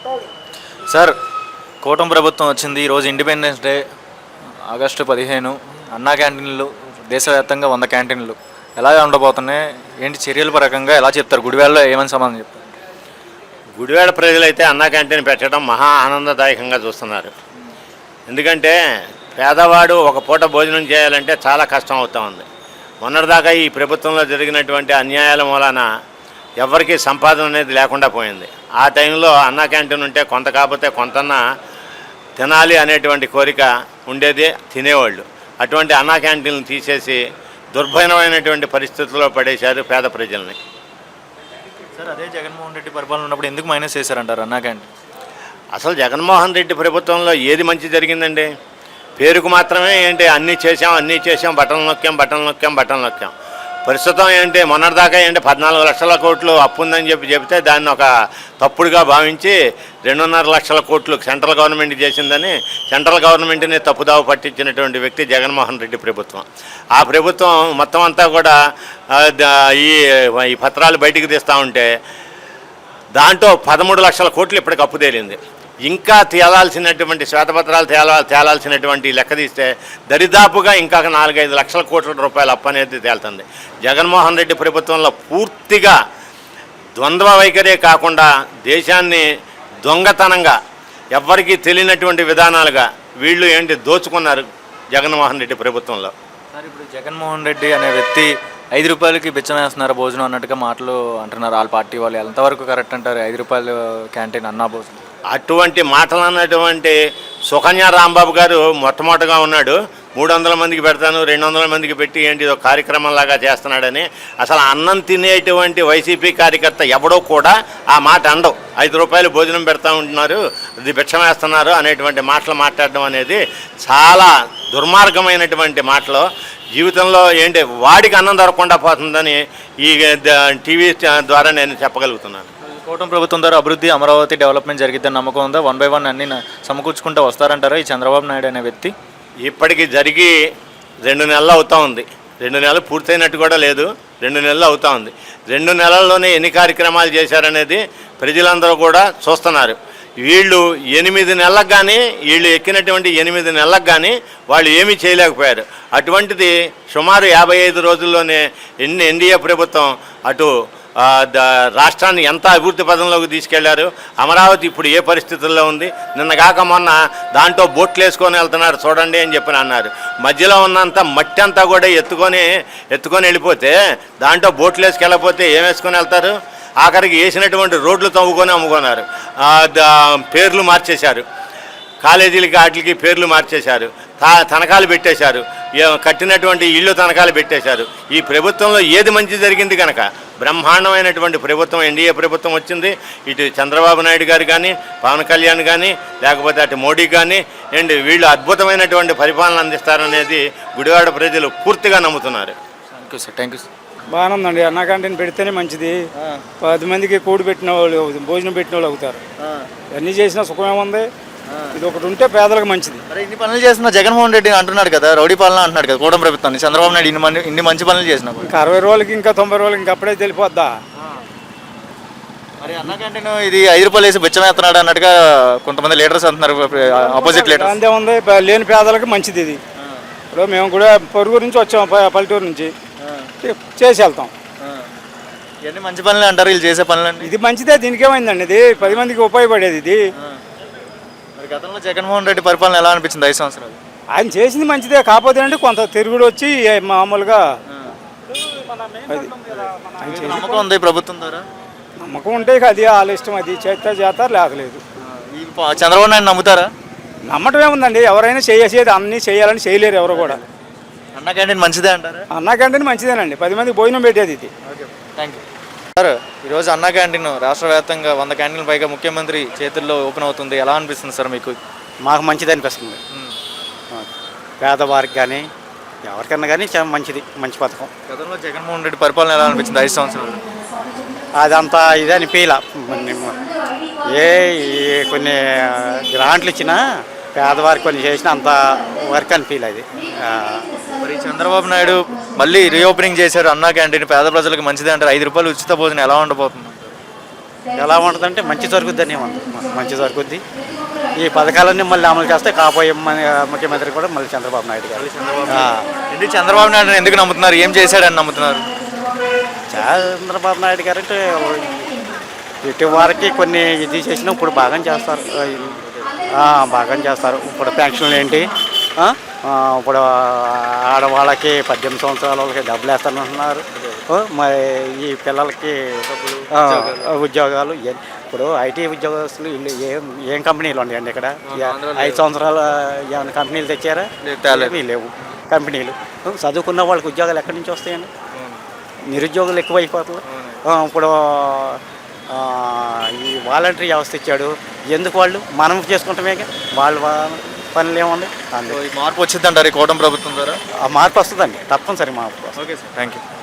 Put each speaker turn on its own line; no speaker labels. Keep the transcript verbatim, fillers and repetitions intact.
Sir, కూటమి ప్రభుత్వం వచ్చింది. ఈరోజు ఇండిపెండెన్స్ డే, ఆగస్టు పదిహేను. అన్నా క్యాంటీన్లు దేశవ్యాప్తంగా వంద క్యాంటీన్లు ఎలా ఉండబోతున్నాయి, ఏంటి చర్యల పరకంగా ఎలా చెప్తారు? గుడివాడలో ఏమని సమాధానం చెప్తారు?
గుడివాడ ప్రజలైతే అన్నా క్యాంటీన్ పెట్టడం మహా ఆనందదాయకంగా చూస్తున్నారు. ఎందుకంటే పేదవాడు ఒక పూట భోజనం చేయాలంటే చాలా కష్టం అవుతూ ఉంది. మొన్నటిదాకా ఈ ప్రభుత్వంలో జరిగినటువంటి అన్యాయాల మూలాన ఎవరికి సంపాదన అనేది లేకుండా పోయింది. ఆ టైంలో అన్నా క్యాంటీన్ ఉంటే కొంత కాకపోతే కొంతన్నా తినాలి అనేటువంటి కోరిక ఉండేది, తినేవాళ్ళు. అటువంటి అన్నా క్యాంటీన్లు తీసేసి దుర్భరమైనటువంటి పరిస్థితుల్లో పడేశారు పేద ప్రజల్ని.
సార్, అదే జగన్మోహన్ రెడ్డి పరిపాలన ఉన్నప్పుడు ఎందుకు మైనస్ చేశారంటారు అన్నా క్యాంటీన్?
అసలు జగన్మోహన్ రెడ్డి ప్రభుత్వంలో ఏది మంచి జరిగిందండి? పేరుకు మాత్రమే ఏంటి అన్నీ చేసాం అన్నీ చేసాం బటన్ నొక్కాం బటన్ నొక్కాం బటన్ నొక్కాం. ప్రస్తుతం ఏంటి మొన్నటిదాకా ఏంటి పద్నాలుగు లక్షల కోట్లు అప్పు ఉందని చెప్పి చెబితే దాన్ని ఒక తప్పుడుగా భావించి రెండున్నర లక్షల కోట్లు సెంట్రల్ గవర్నమెంట్ చేసిందని సెంట్రల్ గవర్నమెంట్ని తప్పుదావ పట్టించినటువంటి వ్యక్తి జగన్మోహన్ రెడ్డి ప్రభుత్వం. ఆ ప్రభుత్వం మొత్తం అంతా కూడా ఈ ఈ పత్రాలు బయటికి తీస్తూ ఉంటే దాంట్లో పదమూడు లక్షల కోట్లు ఇప్పటికి అప్పు తేలింది. ఇంకా తేలాల్సినటువంటి శ్వేతపత్రాలు తేలా తేలాల్సినటువంటి లెక్క తీస్తే దరిదాపుగా ఇంకా నాలుగైదు లక్షల కోట్ల రూపాయల అప్పు అనేది తేలుతుంది. జగన్మోహన్ రెడ్డి ప్రభుత్వంలో పూర్తిగా ద్వంద్వ వైఖరే కాకుండా దేశాన్ని దొంగతనంగా ఎవ్వరికీ తెలియనటువంటి విధానాలుగా వీళ్ళు ఏంటి దోచుకున్నారు జగన్మోహన్ రెడ్డి ప్రభుత్వంలో.
సార్, ఇప్పుడు జగన్మోహన్ రెడ్డి అనే వ్యక్తి ఐదు రూపాయలకి బిచ్చం వేస్తున్నారు భోజనం అన్నట్టుగా మాటలు అంటున్నారు వాళ్ళ పార్టీ వాళ్ళు. ఎంతవరకు కరెక్ట్ అంటారు? ఐదు రూపాయలు క్యాంటీన్ అన్నా భోజనం
అటువంటి మాటలు అన్నటువంటి సుకన్య రాంబాబు గారు మొట్టమొదటిగా ఉన్నాడు. మూడు వందల మందికి పెడతాను రెండు వందల మందికి పెట్టి ఏంటి ఒక కార్యక్రమంలాగా చేస్తున్నాడని. అసలు అన్నం తినేటువంటి వైసీపీ కార్యకర్త ఎవడో కూడా ఆ మాట అండవు. ఐదు రూపాయలు భోజనం పెడతా ఉంటున్నారు, ఇది భిక్షం వేస్తున్నారు అనేటువంటి మాటలు మాట్లాడడం అనేది చాలా దుర్మార్గమైనటువంటి మాటలు. జీవితంలో ఏంటి వాడికి అన్నం దొరకకుండా పోతుందని ఈ టీవీ ద్వారా నేను చెప్పగలుగుతున్నాను.
కూటమి ప్రభుత్వం ద్వారా అభివృద్ధి అమరావతి డెవలప్మెంట్ జరిగిద్దని నమ్మకం ఉందా? వన్ బై వన్ అన్ని సమకూర్చుకుంటూ వస్తారంటారా ఈ చంద్రబాబు నాయుడు అనే వ్యక్తి?
ఇప్పటికి జరిగి రెండు నెలలు అవుతూ ఉంది. రెండు నెలలు పూర్తయినట్టు కూడా లేదు, రెండు నెలలు అవుతూ ఉంది. రెండు నెలల్లోనే ఎన్ని కార్యక్రమాలు చేశారనేది ప్రజలందరూ కూడా చూస్తున్నారు. వీళ్ళు ఎనిమిది నెలలకు కానీ వీళ్ళు ఎక్కినటువంటి ఎనిమిది నెలలకు కానీ వాళ్ళు ఏమీ చేయలేకపోయారు. అటువంటిది సుమారు యాభై ఐదు రోజుల్లోనే ఎన్ని ఎన్డీఏ ప్రభుత్వం అటు రాష్ట్రాన్ని ఎంత అభివృద్ధి పదంలోకి తీసుకెళ్లారు. అమరావతి ఇప్పుడు ఏ పరిస్థితుల్లో ఉంది? నిన్న కాక మొన్న దాంట్లో బోట్లు వేసుకొని వెళ్తున్నారు చూడండి అని చెప్పి అన్నారు. మధ్యలో ఉన్నంత మట్టి అంతా కూడా ఎత్తుకొని ఎత్తుకొని వెళ్ళిపోతే దాంట్లో బోట్లు వేసుకెళ్ళకపోతే ఏం వేసుకొని వెళ్తారు? ఆఖరికి వేసినటువంటి రోడ్లు తవ్వుకొని అమ్ముకున్నారు. పేర్లు మార్చేశారు, కాలేజీలకి వాటికి పేర్లు మార్చేశారు, తనఖాలు పెట్టేశారు, కట్టినటువంటి ఇళ్ళు తనఖాలు పెట్టేశారు. ఈ ప్రభుత్వంలో ఏది మంచి జరిగింది కనుక బ్రహ్మాండమైనటువంటి ప్రభుత్వం ఎన్డీఏ ప్రభుత్వం వచ్చింది. ఇటు చంద్రబాబు నాయుడు గారు కానీ పవన్ కళ్యాణ్ కానీ లేకపోతే అటు మోడీ కానీ ఏంటి వీళ్ళు అద్భుతమైనటువంటి పరిపాలన అందిస్తారనేది గుడివాడ ప్రజలు పూర్తిగా నమ్ముతున్నారు.
Thank you sir. Thank you sir.
బాగానే ఉందండి. అన్నా క్యాంటీన్ పెడితేనే మంచిది. పది మందికి కూడి పెట్టిన వాళ్ళు భోజనం పెట్టిన వాళ్ళు అవుతారు. అన్నీ చేసినా సుఖమేముంది? ఇది ఒకటి ఉంటే పేదలకు మంచిది.
ఇన్ని పనులు చేసిన జగన్మోహన్ రెడ్డి అంటున్నాడు కదా, రౌడీ పాలన అంటున్నాడు కదా కూటమి ప్రభుత్వాన్ని. చంద్రబాబు నాయుడు ఇన్ని ఇన్ని మంచి పనులు చేసిన
ఇంకా అరవై రోజులకి ఇంకా తొంభై రోజులకి ఇంకా అప్పుడే తెలిపోద్దా?
మరి అన్నా క్యాంటీన్ ఇది ఐదు రూపాయలు వేసి బిచ్చం వేస్తున్నాడు అన్నట్టుగా కొంతమంది లీడర్స్ అంటున్నారు, ఆపోజిట్ లీడర్స్.
అంతే ఉంది, లేని పేదలకు మంచిది ఇది. ఇప్పుడు మేము కూడా పొరుగు నుంచి వచ్చాం, పల్లెటూరు నుంచి చేసి వెళ్తాం.
ఇవన్నీ మంచి పనులు అంటారు వీళ్ళు చేసే పనులండి.
ఇది మంచిదే, దీనికేమైందండి? ఇది పది మందికి ఉపయోగపడేది ఇది.
మరి గతంలో జగన్మోహన్ రెడ్డి పరిపాలన ఎలా అనిపించింది ఐదు సంవత్సరాలు?
ఆయన చేసింది మంచిదే, కాకపోతే అంటే కొంత తిరుగుడు వచ్చి మామూలుగా
నమ్మకం ఉంది ప్రభుత్వం ద్వారా.
నమ్మకం ఉంటే అది వాళ్ళ ఇష్టం, అది చేస్తే చేస్తారు లేకలేదు.
చంద్రబాబు నాయుడు నమ్ముతారా?
నమ్మటం ఏముందండి, ఎవరైనా చేసేది అన్నీ చేయాలని చేయలేరు ఎవరు కూడా.
అన్నా క్యాంటీన్ మంచిదే అంటారా?
అన్నా క్యాంటీన్ మంచిదేనండి, పది మందికి భోజనం పెట్టేది ఇది.
Thank you sir. ఈరోజు అన్నా క్యాంటీన్ రాష్ట్ర వ్యాప్తంగా వంద క్యాంటీన్ల పైగా ముఖ్యమంత్రి చేతుల్లో ఓపెన్ అవుతుంది. ఎలా అనిపిస్తుంది సార్ మీకు?
మాకు మంచిది అనిపిస్తుంది. పేదవారికి కానీ ఎవరికన్నా కానీ చాలా మంచిది, మంచి పథకం.
గతంలో జగన్మోహన్ రెడ్డి పరిపాలన ఎలా అనిపించింది ఐదు సంవత్సరాలు?
అదంతా ఇదే అనిపించలా. ఏ కొన్ని గ్రాంట్లు ఇచ్చినా పేదవారికి కొన్ని చేసిన అంత వర్క్ అనిపించలే. అది
మరి చంద్రబాబు నాయుడు మళ్ళీ రీఓపెనింగ్ చేశారు అన్నా క్యాంటీన్, పేద ప్రజలకు మంచిది అంటారు. ఐదు రూపాయలు ఉచిత భోజనం ఎలా ఉండబోతుంది?
ఎలా ఉంటుందంటే మంచి జరుగుద్దని ఉంది, మంచి జరుగుద్ది. ఈ పథకాలన్నీ మళ్ళీ అమలు చేస్తే కాబోయే మన ముఖ్యమంత్రి కూడా మళ్ళీ చంద్రబాబు నాయుడు గారు. ఆ,
ఎందుకు చంద్రబాబు నాయుడు ఎందుకు నమ్ముతున్నారు? ఏం చేశాడని నమ్ముతున్నారు?
చంద్రబాబు నాయుడు గారు అంటే ఇటు వారికి కొన్ని ఇది చేసినా ఇప్పుడు బాగా చేస్తారు, ఆ, బాగా చేస్తారు. ఇప్పుడు పెన్షన్లు ఏంటి, ఆ, ఆ, ఇప్పుడు ఆడవాళ్ళకి పద్దెనిమిది సంవత్సరాల వాళ్ళకి డబ్బులు వేస్తానంటున్నారు. ఆ, మరి ఈ పిల్లలకి ఆ, ఉద్యోగాలు ఇవన్నీ. ఇప్పుడు ఐటీ ఉద్యోగస్తులు వీళ్ళు ఏం ఏం కంపెనీలు ఉన్నాయండి ఇక్కడ? ఐదు సంవత్సరాల ఏమైనా కంపెనీలు తెచ్చారా? ఏమీ లేవు కంపెనీలు. చదువుకున్న వాళ్ళకి ఉద్యోగాలు ఎక్కడి నుంచి వస్తాయండి? నిరుద్యోగులు ఎక్కువైపోతున్నారు. ఆ, ఇప్పుడు ఆ, ఈ వాలంటరీ వ్యవస్థ ఇచ్చాడు. ఎందుకు వాళ్ళు మనం చేసుకుంటామే, వాళ్ళ పనులు ఏముంది?
ఈ మార్పు వచ్చిందంటారు ఈ కూటమి ప్రభుత్వం ద్వారా?
ఆ మార్పు వస్తుందండి, తప్పనిసరి మార్పు.
Okay sir, thank you.